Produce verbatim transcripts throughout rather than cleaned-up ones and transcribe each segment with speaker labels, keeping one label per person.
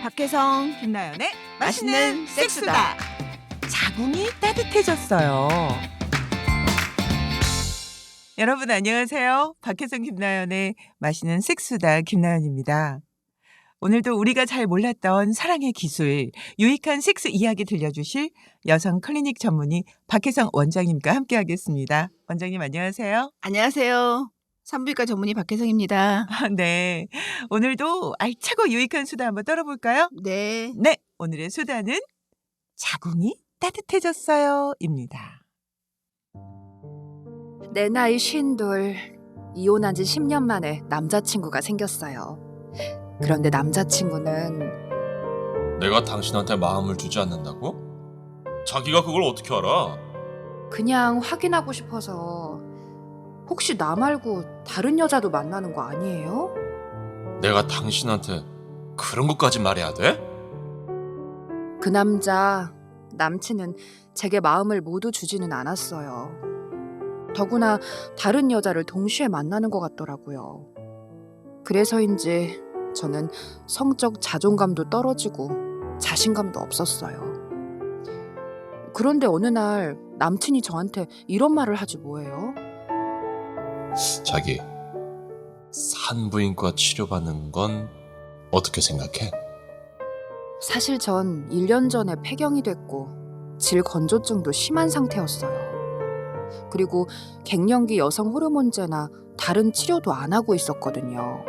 Speaker 1: 박혜성,
Speaker 2: 김나연의
Speaker 1: 맛있는 섹스다.
Speaker 2: 자궁이 따뜻해졌어요. 여러분 안녕하세요. 박혜성 김나연의 맛있는 섹스다 김나연입니다. 오늘도 우리가 잘 몰랐던 사랑의 기술, 유익한 섹스 이야기 들려주실 여성 클리닉 전문의 박혜성 원장님과 함께하겠습니다. 원장님 안녕하세요.
Speaker 1: 안녕하세요. 산부인과 전문의 박혜성입니다.
Speaker 2: 네, 오늘도 알차고 유익한 수다 한번 떨어볼까요?
Speaker 1: 네.
Speaker 2: 네, 오늘의 수다는 자궁이 따뜻해졌어요 입니다.
Speaker 3: 내 나이 쉰둘, 이혼한 지 십 년 만에 남자친구가 생겼어요. 그런데 남자친구는
Speaker 4: 내가 당신한테 마음을 주지 않는다고? 자기가 그걸 어떻게 알아?
Speaker 3: 그냥 확인하고 싶어서 혹시 나 말고 다른 여자도 만나는 거 아니에요?
Speaker 4: 내가 당신한테 그런 것까지 말해야 돼?
Speaker 3: 그 남자, 남친은 제게 마음을 모두 주지는 않았어요. 더구나 다른 여자를 동시에 만나는 것 같더라고요. 그래서인지 저는 성적 자존감도 떨어지고 자신감도 없었어요. 그런데 어느 날 남친이 저한테 이런 말을 하지 뭐예요?
Speaker 4: 자기, 산부인과 치료받는 건 어떻게 생각해?
Speaker 3: 사실 전 일 년 전에 폐경이 됐고 질건조증도 심한 상태였어요. 그리고 갱년기 여성 호르몬제나 다른 치료도 안 하고 있었거든요.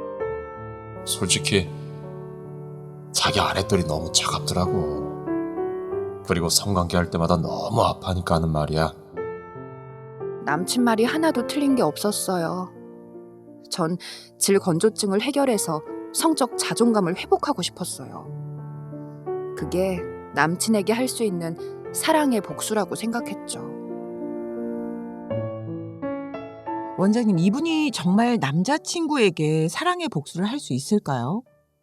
Speaker 4: 솔직히 자기 아랫돌이 너무 차갑더라고. 그리고 성관계 할 때마다 너무 아파하니까 하는 말이야.
Speaker 3: 남친 말이 하나도 틀린 게 없었어요. 전 질건조증을 해결해서 성적 자존감을 회복하고 싶었어요. 그게 남친에게 할 수 있는 사랑의 복수라고 생각했죠.
Speaker 2: 원장님, 이분이 정말 남자친구에게 사랑의 복수를 할 수 있을까요?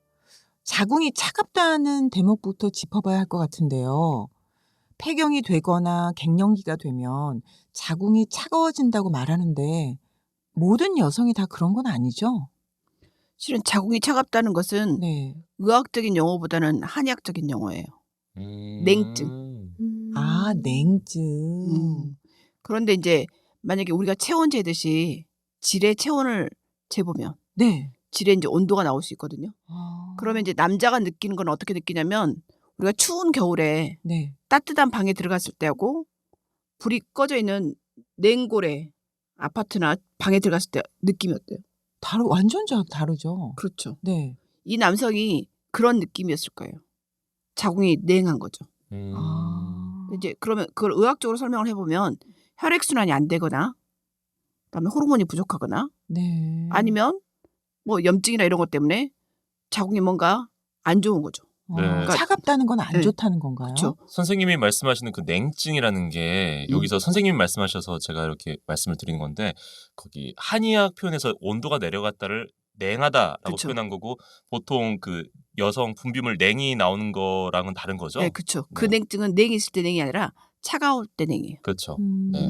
Speaker 2: 자궁이 차갑다는 대목부터 짚어봐야 할 것 같은데요. 폐경이 되거나 갱년기가 되면 자궁이 차가워진다고 말하는데 모든 여성이 다 그런 건 아니죠?
Speaker 1: 실은 자궁이 차갑다는 것은
Speaker 2: 네.
Speaker 1: 의학적인 용어보다는 한의학적인 용어예요.
Speaker 4: 음...
Speaker 1: 냉증.
Speaker 3: 음...
Speaker 2: 아, 냉증.
Speaker 1: 음. 그런데 이제 만약에 우리가 체온 재듯이 질의 체온을 재보면
Speaker 2: 네.
Speaker 1: 질의 이제 온도가 나올 수 있거든요.
Speaker 2: 아...
Speaker 1: 그러면 이제 남자가 느끼는 건 어떻게 느끼냐면 우리가 추운 겨울에
Speaker 2: 네.
Speaker 1: 따뜻한 방에 들어갔을 때하고 불이 꺼져 있는 냉골에 아파트나 방에 들어갔을 때 느낌이 어때요?
Speaker 2: 다르, 완전 자- 다르죠.
Speaker 1: 그렇죠.
Speaker 2: 네.
Speaker 1: 이 남성이 그런 느낌이었을 거예요. 자궁이 냉한 거죠.
Speaker 4: 음...
Speaker 2: 아...
Speaker 1: 이제 그러면 그걸 의학적으로 설명을 해보면 혈액순환이 안 되거나 그다음에 호르몬이 부족하거나
Speaker 2: 네.
Speaker 1: 아니면 뭐 염증이나 이런 것 때문에 자궁이 뭔가 안 좋은 거죠.
Speaker 2: 어,
Speaker 4: 네.
Speaker 2: 차갑다는 건 안
Speaker 1: 네.
Speaker 2: 좋다는 건가요?
Speaker 1: 그렇죠.
Speaker 4: 선생님이 말씀하시는 그 냉증이라는 게
Speaker 1: 음.
Speaker 4: 여기서 선생님이 말씀하셔서 제가 이렇게 말씀을 드리는 건데 거기 한의학 표현에서 온도가 내려갔다를 냉하다라고
Speaker 1: 그쵸.
Speaker 4: 표현한 거고 보통 그 여성 분비물 냉이 나오는 거랑은 다른 거죠?
Speaker 1: 네, 그렇죠. 그
Speaker 4: 네.
Speaker 1: 냉증은 냉이 있을 때 냉이 아니라 차가울 때 냉이에요.
Speaker 4: 그렇죠.
Speaker 2: 음...
Speaker 4: 네.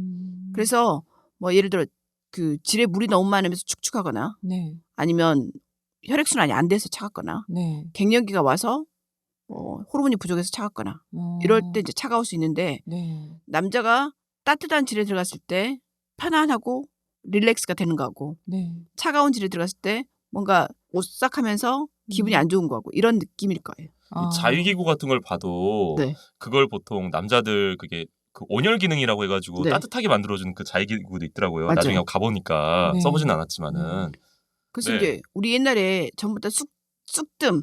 Speaker 1: 그래서 뭐 예를 들어 그 질에 물이 너무 많으면서 축축하거나
Speaker 2: 네.
Speaker 1: 아니면 혈액순환이 안 돼서 차갑거나
Speaker 2: 네.
Speaker 1: 갱년기가 와서 어, 호르몬이 부족해서 차갑거나
Speaker 2: 어...
Speaker 1: 이럴 때 이제 차가울 수 있는데
Speaker 2: 네.
Speaker 1: 남자가 따뜻한 질에 들어갔을 때 편안하고 릴렉스가 되는 거하고
Speaker 2: 네.
Speaker 1: 차가운 질에 들어갔을 때 뭔가 오싹하면서 기분이
Speaker 2: 음.
Speaker 1: 안 좋은 거하고 이런 느낌일 거예요.
Speaker 2: 아...
Speaker 4: 이 자위기구 같은 걸 봐도
Speaker 1: 네.
Speaker 4: 그걸 보통 남자들 그게 그 온열 기능이라고 해가지고
Speaker 1: 네.
Speaker 4: 따뜻하게 만들어주는 그 자위기구도 있더라고요.
Speaker 1: 맞아요.
Speaker 4: 나중에 가보니까
Speaker 2: 네.
Speaker 4: 써보진 않았지만은
Speaker 1: 그래서
Speaker 4: 네.
Speaker 1: 이제 우리 옛날에 전부 다 쑥, 쑥뜸,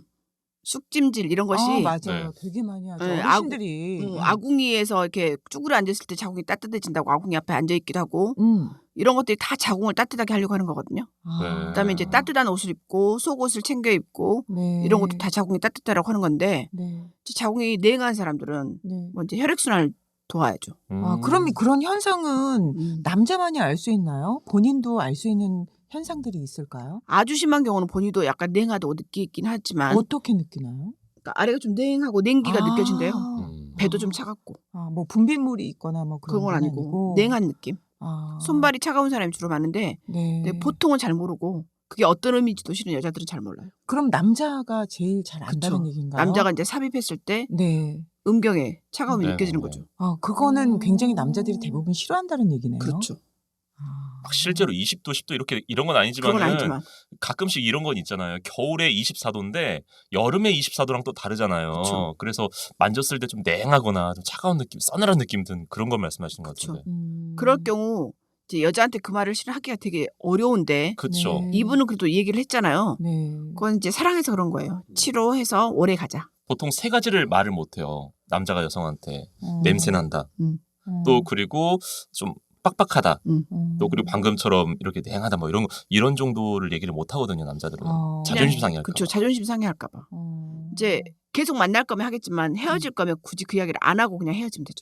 Speaker 1: 쑥찜질 이런 것이
Speaker 2: 아, 맞아요.
Speaker 4: 네.
Speaker 2: 되게 많이 하죠.
Speaker 1: 네,
Speaker 2: 어르신들이.
Speaker 1: 음,
Speaker 2: 음.
Speaker 1: 아궁이에서 이렇게 쭈그려 앉았을 때 자궁이 따뜻해진다고 아궁이 앞에 앉아 있기도 하고
Speaker 2: 음.
Speaker 1: 이런 것들이 다 자궁을 따뜻하게 하려고 하는 거거든요.
Speaker 2: 아.
Speaker 1: 그다음에 이제 따뜻한 옷을 입고 속옷을 챙겨 입고
Speaker 2: 네.
Speaker 1: 이런 것도 다 자궁이 따뜻하라고 하는 건데
Speaker 2: 네.
Speaker 1: 자궁이 냉한 사람들은
Speaker 2: 네.
Speaker 1: 먼저 혈액순환을 도와야죠.
Speaker 2: 아,
Speaker 4: 음.
Speaker 2: 그럼 그런 현상은
Speaker 1: 음.
Speaker 2: 남자만이 알 수 있나요? 본인도 알 수 있는 현상들이 있을까요?
Speaker 1: 아주 심한 경우는 본인도 약간 냉하다고 느끼긴 하지만
Speaker 2: 어떻게 느끼나요?
Speaker 1: 그러니까 아래가 좀 냉하고 냉기가
Speaker 2: 아.
Speaker 1: 느껴진대요.
Speaker 4: 음.
Speaker 1: 배도 좀 차갑고
Speaker 2: 아, 뭐 분비물이 있거나 뭐 그런
Speaker 1: 그런 건
Speaker 2: 건
Speaker 1: 아니고
Speaker 2: 아니고.
Speaker 1: 냉한 느낌.
Speaker 2: 아.
Speaker 1: 손발이 차가운 사람이 주로 많은데
Speaker 2: 네.
Speaker 1: 근데 보통은 잘 모르고 그게 어떤 의미인지도 실은 여자들은 잘 몰라요.
Speaker 2: 그럼 남자가 제일 잘 안다는
Speaker 1: 그쵸.
Speaker 2: 얘기인가요?
Speaker 1: 남자가 이제 삽입했을 때
Speaker 2: 네.
Speaker 1: 음경에 차가움이
Speaker 4: 네.
Speaker 1: 느껴지는 거죠.
Speaker 2: 아, 그거는
Speaker 3: 음.
Speaker 2: 굉장히 남자들이 대부분 싫어한다는 얘기네요.
Speaker 1: 그렇죠.
Speaker 2: 아.
Speaker 4: 막 실제로 이십 도, 십 도 이렇게 이런 건
Speaker 1: 그건
Speaker 4: 아니지만은
Speaker 1: 아니지만
Speaker 4: 가끔씩 이런 건 있잖아요. 겨울에 이십사 도인데 여름에 이십사 도랑 또 다르잖아요.
Speaker 1: 그쵸.
Speaker 4: 그래서 만졌을 때 좀 냉하거나 좀 차가운 느낌, 서늘한 느낌 든 그런 걸 말씀하시는 것
Speaker 1: 그쵸.
Speaker 4: 같은데.
Speaker 2: 음.
Speaker 1: 그럴 경우 이제 여자한테 그 말을 실은 하기가 되게 어려운데
Speaker 4: 그렇죠.
Speaker 2: 네.
Speaker 1: 이분은 그래도 얘기를 했잖아요.
Speaker 2: 네.
Speaker 1: 그건 이제 사랑해서 그런 거예요. 치료해서 오래 가자.
Speaker 4: 보통 세 가지를 말을 못 해요. 남자가 여성한테
Speaker 2: 음.
Speaker 4: 냄새 난다.
Speaker 2: 음.
Speaker 4: 또 그리고 좀 빡빡하다.
Speaker 2: 음.
Speaker 4: 또 그리고 방금처럼 이렇게 냉하다 뭐 이런 거- 이런 정도를 얘기를 못 하거든요, 남자들은.
Speaker 2: 어.
Speaker 4: 자존심 상해할까
Speaker 1: 그렇죠.
Speaker 4: 봐.
Speaker 1: 자존심 상해할까 봐.
Speaker 2: 어.
Speaker 1: 이제 계속 만날 거면 하겠지만 헤어질 거면 굳이 그 이야기를 안 하고 그냥 헤어지면 되죠.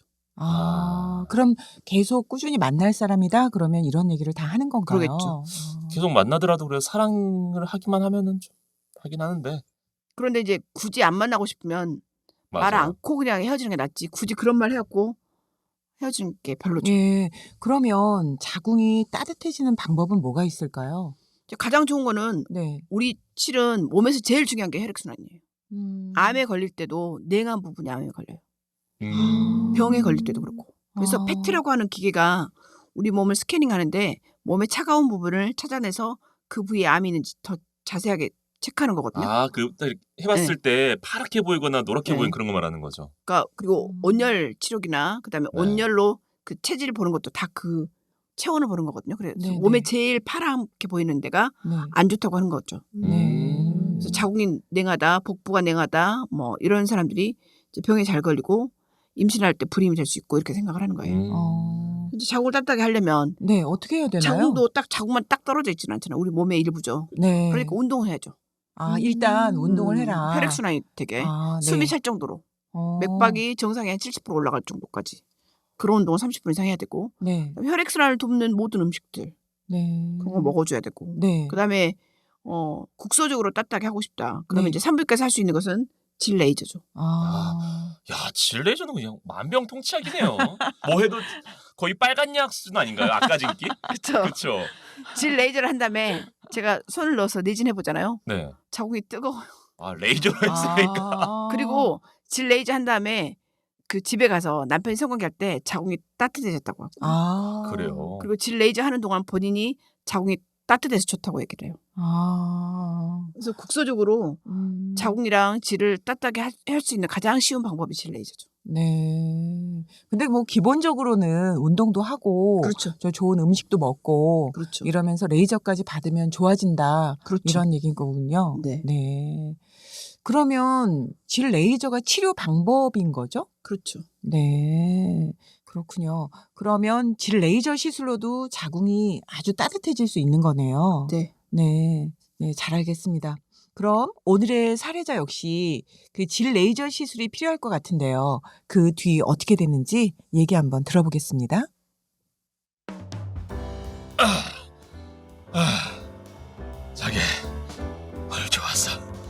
Speaker 2: 아, 그럼 계속 꾸준히 만날 사람이다? 그러면 이런 얘기를 다 하는 건가요?
Speaker 1: 그러겠죠.
Speaker 2: 아.
Speaker 4: 계속 만나더라도 그래 사랑을 하기만 하면은 좀 하긴 하는데.
Speaker 1: 그런데 이제 굳이 안 만나고 싶으면 말
Speaker 4: 맞아요.
Speaker 1: 않고 그냥 헤어지는 게 낫지. 굳이 그런 말 해갖고 헤어지는 게 별로죠.
Speaker 2: 예. 그러면 자궁이 따뜻해지는 방법은 뭐가 있을까요?
Speaker 1: 이제 가장 좋은 거는
Speaker 2: 네.
Speaker 1: 우리 실은 몸에서 제일 중요한 게 혈액순환이에요.
Speaker 2: 음.
Speaker 1: 암에 걸릴 때도 냉한 부분이 암에 걸려요.
Speaker 4: 음.
Speaker 1: 병에 걸릴 때도 그렇고. 그래서
Speaker 2: 아.
Speaker 1: 페트라고 하는 기계가 우리 몸을 스캐닝하는데 몸의 차가운 부분을 찾아내서 그 부위에 암이 있는지 더 자세하게 체크하는 거거든요.
Speaker 4: 아, 그 해봤을 때 파랗게 보이거나 노랗게
Speaker 1: 네.
Speaker 4: 보이는 그런 거 말하는 거죠.
Speaker 1: 그러니까 그리고
Speaker 2: 음.
Speaker 1: 온열 치료기나 그다음에
Speaker 4: 네.
Speaker 1: 온열로 그 체질을 보는 것도 다 그 체온을 보는 거거든요. 그래서
Speaker 2: 네네.
Speaker 1: 몸에 제일 파랗게 보이는 데가
Speaker 2: 네.
Speaker 1: 안 좋다고 하는 거죠.
Speaker 2: 네.
Speaker 1: 그래서 자궁이 냉하다, 복부가 냉하다, 뭐 이런 사람들이 이제 병에 잘 걸리고 임신할 때 불임이 될 수 있고 이렇게 생각을 하는 거예요.
Speaker 4: 음.
Speaker 2: 어.
Speaker 1: 이제 자궁을 따뜻하게 하려면
Speaker 2: 네, 어떻게 해야 되나요?
Speaker 1: 자궁도 딱 자궁만 딱 떨어져 있지는 않잖아요. 우리 몸의 일부죠.
Speaker 2: 네.
Speaker 1: 그러니까 운동을 해야죠.
Speaker 2: 아, 일단 운동을
Speaker 1: 음,
Speaker 2: 해라.
Speaker 1: 혈액순환이 되게
Speaker 2: 아, 네.
Speaker 1: 숨이 찰 정도로
Speaker 2: 어.
Speaker 1: 맥박이 정상에 한 칠십 퍼센트 올라갈 정도까지 그런 운동을 삼십 분 이상 해야 되고
Speaker 2: 네.
Speaker 1: 혈액순환을 돕는 모든 음식들
Speaker 2: 네.
Speaker 1: 그런 거 먹어줘야 되고
Speaker 2: 네.
Speaker 1: 그다음에 어, 국소적으로 따뜻하게 하고 싶다. 그러면
Speaker 2: 네.
Speaker 1: 이제 산부인과에서 할 수 있는 것은 질 레이저죠.
Speaker 2: 아.
Speaker 4: 야, 질레이저는 그냥 만병통치약이네요. 뭐 해도 거의 빨간 약 수준 아닌가요? 아까진기?
Speaker 1: 그렇죠.
Speaker 4: 그렇죠.
Speaker 1: 질 레이저를 한 다음에 제가 손을 넣어서 내진해 보잖아요.
Speaker 4: 네.
Speaker 1: 자궁이 뜨거워요.
Speaker 4: 아, 레이저로 했으니까.
Speaker 2: 아.
Speaker 1: 그리고 질 레이저 한 다음에 그 집에 가서 남편이 성관계할 때 자궁이 따뜻해졌다고 하고.
Speaker 2: 아.
Speaker 4: 그래요.
Speaker 1: 그리고 질 레이저 하는 동안 본인이 자궁이 따뜻해서 좋다고 얘기를 해요.
Speaker 2: 아.
Speaker 1: 그래서 국소적으로
Speaker 2: 음.
Speaker 1: 자궁이랑 질을 따뜻하게 할 수 있는 가장 쉬운 방법이 질 레이저죠.
Speaker 2: 네. 근데 뭐 기본적으로는 운동도 하고
Speaker 1: 그렇죠.
Speaker 2: 저 좋은 음식도 먹고
Speaker 1: 그렇죠.
Speaker 2: 이러면서 레이저까지 받으면 좋아진다.
Speaker 1: 그렇죠.
Speaker 2: 이런 얘기인 거군요.
Speaker 1: 네.
Speaker 2: 네. 그러면 질 레이저가 치료 방법인 거죠?
Speaker 1: 그렇죠.
Speaker 2: 네. 그렇군요. 그러면 질 레이저 시술로도 자궁이 아주 따뜻해질 수 있는 거네요.
Speaker 1: 네.
Speaker 2: 네. 네, 잘 알겠습니다. 그럼 오늘의 사례자 역시 그 질 레이저 시술이 필요할 것 같은데요. 그 뒤 어떻게 됐는지 얘기 한번 들어보겠습니다.
Speaker 4: 아, 자기 오늘 좋았어.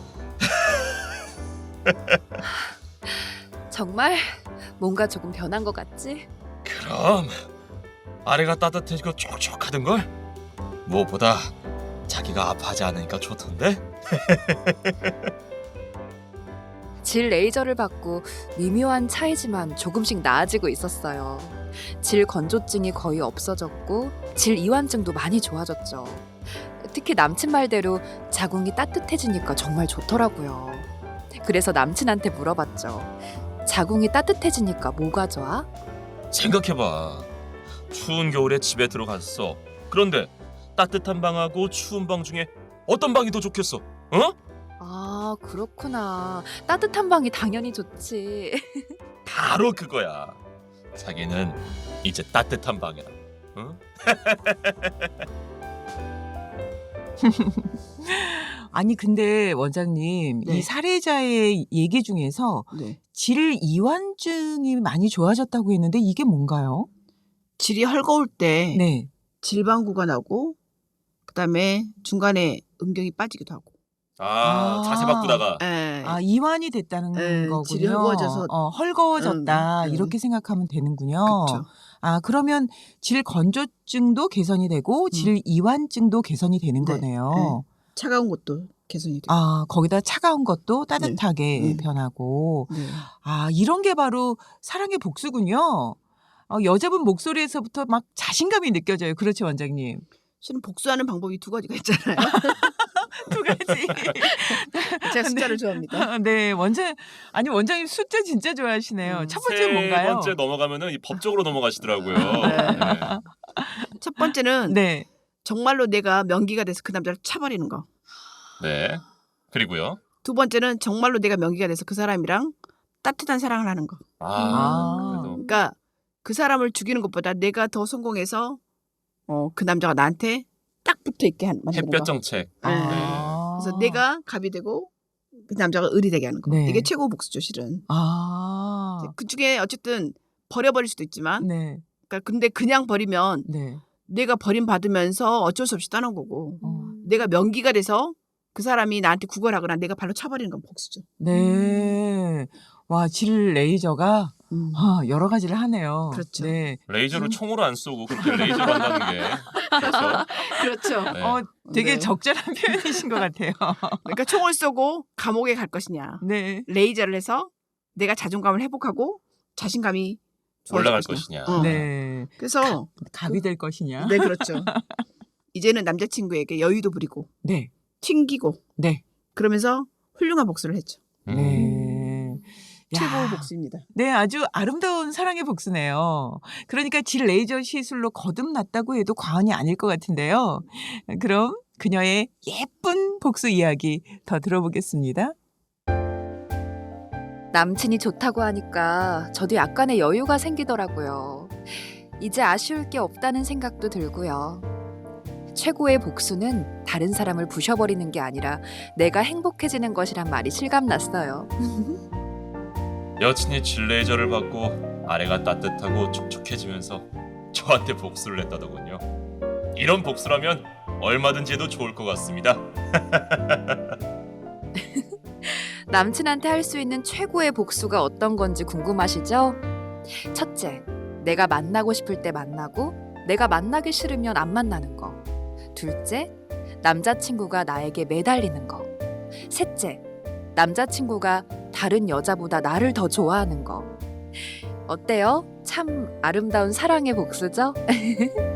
Speaker 3: 정말 뭔가 조금 변한 것 같지?
Speaker 4: 그럼 아래가 따뜻해지고 촉촉하던걸? 무엇보다 자기가 아파하지 않으니까 좋던데?
Speaker 3: 질 레이저를 받고 미묘한 차이지만 조금씩 나아지고 있었어요. 질 건조증이 거의 없어졌고 질 이완증도 많이 좋아졌죠. 특히 남친 말대로 자궁이 따뜻해지니까 정말 좋더라고요. 그래서 남친한테 물어봤죠. 자궁이 따뜻해지니까 뭐가 좋아?
Speaker 4: 생각해봐. 추운 겨울에 집에 들어갔어. 그런데 따뜻한 방하고 추운 방 중에 어떤 방이 더 좋겠어? 어?
Speaker 3: 아, 그렇구나. 따뜻한 방이 당연히 좋지.
Speaker 4: 바로 그거야. 자기는 이제 따뜻한 방이야. 응?
Speaker 2: 아니 근데 원장님
Speaker 1: 네.
Speaker 2: 이 사례자의 얘기 중에서
Speaker 1: 네.
Speaker 2: 질 이완증이 많이 좋아졌다고 했는데 이게 뭔가요?
Speaker 1: 질이 헐거울 때
Speaker 2: 네.
Speaker 1: 질방구가 나고 그다음에 중간에 음경이 빠지기도 하고.
Speaker 4: 아,
Speaker 2: 아.
Speaker 4: 자세 바꾸다가.
Speaker 1: 예.
Speaker 2: 아, 이완이 됐다는
Speaker 1: 네,
Speaker 2: 거군요.
Speaker 1: 질이 헐거워져서
Speaker 2: 어, 헐거워졌다
Speaker 1: 음, 네.
Speaker 2: 이렇게 생각하면 되는군요.
Speaker 1: 그렇죠.
Speaker 2: 아, 그러면 질 건조증도 개선이 되고 질 이완증도 개선이 되는
Speaker 1: 네.
Speaker 2: 거네요.
Speaker 1: 차가운 것도 개선이 돼요.
Speaker 2: 아, 거기다 차가운 것도 따뜻하게
Speaker 1: 네.
Speaker 2: 변하고.
Speaker 1: 네.
Speaker 2: 아, 이런 게 바로 사랑의 복수군요. 어, 여자분 목소리에서부터 막 자신감이 느껴져요. 그렇죠, 원장님?
Speaker 1: 실은 복수하는 방법이 두 가지가 있잖아요.
Speaker 2: 두 가지.
Speaker 1: 제가 숫자를 좋아합니다.
Speaker 2: 네, 원장 아니 원장님 숫자 진짜 좋아하시네요.
Speaker 1: 음.
Speaker 2: 첫 번째
Speaker 4: 세
Speaker 2: 뭔가요?
Speaker 4: 번째 넘어가면은 이 법적으로 넘어가시더라고요.
Speaker 1: 네.
Speaker 4: 네.
Speaker 1: 첫 번째는
Speaker 2: 네.
Speaker 1: 정말로 내가 명기가 돼서 그 남자를 차버리는 거.
Speaker 4: 네. 그리고요.
Speaker 1: 두 번째는 정말로 내가 명기가 돼서 그 사람이랑 따뜻한 사랑을 하는 거.
Speaker 4: 아, 그래도
Speaker 1: 그러니까 그 사람을 죽이는 것보다 내가 더 성공해서 어, 그 남자가 나한테 딱 붙어 있게 한- 만드는
Speaker 4: 햇볕
Speaker 1: 거.
Speaker 4: 정책.
Speaker 1: 네.
Speaker 2: 아.
Speaker 1: 그래서 내가 갑이 되고 그 남자가 을이 되게 하는 거.
Speaker 2: 네.
Speaker 1: 이게 최고 복수죠, 실은.
Speaker 2: 아.
Speaker 1: 그 중에 어쨌든 버려버릴 수도 있지만,
Speaker 2: 네.
Speaker 1: 그러니까 근데 그냥 버리면
Speaker 2: 네.
Speaker 1: 내가 버림 받으면서 어쩔 수 없이 떠난 거고,
Speaker 2: 어.
Speaker 1: 내가 명기가 돼서 그 사람이 나한테 구걸하거나 내가 발로 차버리는 건 복수죠.
Speaker 2: 네. 와, 질 레이저가
Speaker 1: 음.
Speaker 2: 아, 여러 가지를 하네요.
Speaker 1: 그렇죠.
Speaker 2: 네.
Speaker 4: 레이저를 총으로 안 쏘고 그렇게 레이저로 한다는 게 그렇죠.
Speaker 1: 그렇죠.
Speaker 4: 네.
Speaker 2: 어, 되게
Speaker 1: 네.
Speaker 2: 적절한 표현이신 것 같아요.
Speaker 1: 그러니까 총을 쏘고 감옥에 갈 것이냐,
Speaker 2: 네.
Speaker 1: 레이저를 해서 내가 자존감을 회복하고 자신감이 좋아질
Speaker 4: 올라갈
Speaker 1: 것이냐.
Speaker 4: 것이냐.
Speaker 1: 어.
Speaker 2: 네.
Speaker 1: 그래서
Speaker 2: 갑이 될 것이냐?
Speaker 1: 네, 그렇죠. 이제는 남자친구에게 여유도 부리고
Speaker 2: 네.
Speaker 1: 튕기고
Speaker 2: 네.
Speaker 1: 그러면서 훌륭한 복수를 했죠.
Speaker 4: 음.
Speaker 2: 네. 야.
Speaker 1: 최고의 복수입니다.
Speaker 2: 네, 아주 아름다운 사랑의 복수네요. 그러니까 질 레이저 시술로 거듭났다고 해도 과언이 아닐 것 같은데요. 그럼 그녀의 예쁜 복수 이야기 더 들어보겠습니다.
Speaker 3: 남친이 좋다고 하니까 저도 약간의 여유가 생기더라고요. 이제 아쉬울 게 없다는 생각도 들고요. 최고의 복수는 다른 사람을 부셔버리는 게 아니라 내가 행복해지는 것이란 말이 실감났어요.
Speaker 4: 여친이 질 레이저를 받고 아내가 따뜻하고 촉촉해지면서 저한테 복수를 했다더군요. 이런 복수라면 얼마든지 해도 좋을 것 같습니다.
Speaker 3: 남친한테 할 수 있는 최고의 복수가 어떤 건지 궁금하시죠? 첫째, 내가 만나고 싶을 때 만나고 내가 만나기 싫으면 안 만나는 거. 둘째, 남자친구가 나에게 매달리는 거. 셋째, 남자친구가 다른 여자보다 나를 더 좋아하는 거. 어때요? 참 아름다운 사랑의 복수죠?